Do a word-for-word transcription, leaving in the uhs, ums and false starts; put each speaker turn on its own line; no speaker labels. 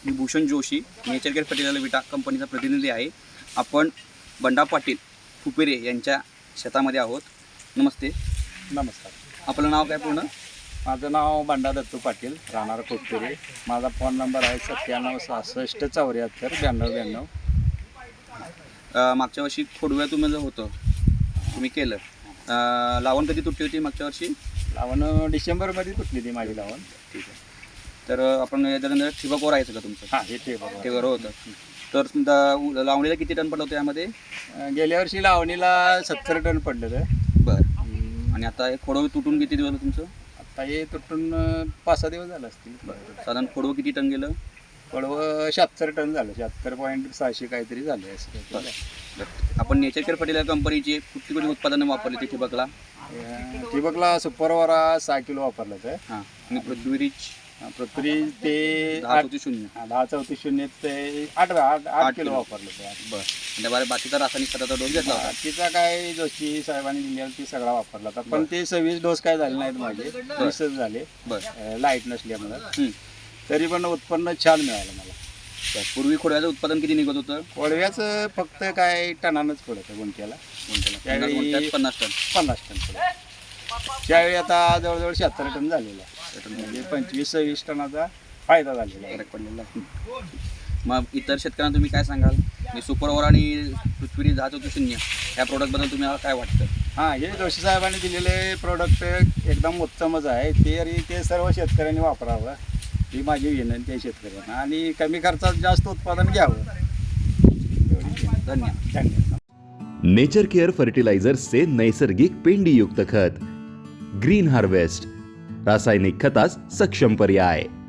मी Bhushan Joshi, nature care fertilizer विटा कंपनीचा प्रतिनिधी आहे. आपण बंडा पाटील फुपेरे यांच्या शेतामध्ये आहोत. नमस्ते.
नमस्कार.
आपलं नाव काय पूर्ण?
माझं नाव बंडा दत्तू पाटील, राहणार कोटपुरे. माझा फोन नंबर आहे सत्त्याण्णव सहासष्ट चौऱ्याहत्तर ब्याण्णव ब्याण्णव.
अ, मागच्या वर्षी खोडव्या तुम्ही जे होतं तुम्ही केलं, अ, लावण कधी तुटली होती मागच्या वर्षी?
लावण डिसेंबरमध्ये तुटली ती माझी लावण.
ठीक आहे. तर आपण याच्यानंतर ठिबकवर आहे का तुमचं?
हां, हे ते बरोबर.
ठिबकवर होतं. तर समजा लावणीला किती टन पडलं होतं यामध्ये?
अं, गेल्या वर्षी लावणीला सत्तर टन पडलं तर.
बरं. आणि आता हे खोडवं तुटून किती दिवस झालं तुमचं?
आता हे तुटून अं, पाच सहा दिवस झालं असतील.
बरं. साधारण खोडवं किती टन गेलं?
पडवं शहात्तर टन झालं, शहात्तर पॉईंट सहाशे काहीतरी झाले असं काहीतरी झालं.
बरं. आपण नेचर केअर फर्टिलायझर कंपनीची कुठली कुठली उत्पादनं वापरली ती ठिबकला?
अं, ठिबकला सुपरवारा सहा किलो वापरलं तर.
हां. आणि पृथ्वीरीच
पृथ्वी ते
दहा
आठ
चौतीस शून्य.
हा, दहा चौतीस शून्य ते आठ आठ आठ किलो
किलो.
वापरलं ते.
बरं. आणि त्याबारे बाकीचा रासायनिक खताचा डोस घेतला होता?
बाकीचा काय जोशी साहेबांनी दिलेला ती सगळा वापरला होता, पण ते सव्वीस डोस काय झाले नाहीत माझे, वीसच झाले.
बरं.
लाईट नसल्यामुळं.
हं.
तरी पण उत्पन्न छान मिळालं मला.
बरं. पूर्वी खोडव्याचं उत्पादन किती निघत होतं?
कोळव्याचं फक्त काय टनानंच पडतं गुंठ्याला. त्यावेळी-
गुंठ्यात पन्नास टन.
पन्नास टन पडतं. त्यावेळी आता जवळजवळ शहात्तर टन झालेला आहे. म्हणजे पंचवीस सव्वीस टनाचा फायदा झालेला आहे.
फरक पडलेला आहे. मग इतर शेतकऱ्यांना तुम्ही काय सांगाल? मी सुपरवर आणि पृथ्वी दहा चौतीस शून्य या प्रोडक्टबद्दल तुम्हाला काय वाटतं?
हां, हे जोशी साहेबांनी दिलेले प्रोडक्ट एकदम उत्तमच आहे. ते आणि ते सर्व शेतकऱ्यांनी वापरावं ही माझी विनंती आहे शेतकऱ्यांना, आणि कमी खर्चात जास्त उत्पादन घ्यावं.
धन्यवाद.
धन्यवाद.
नेचर केअर फर्टिलायझर्सचे नैसर्गिक पेंडीयुक्त खत ग्रीन हार्वेस्ट, रासायनिक खतास सक्षम पर्याय.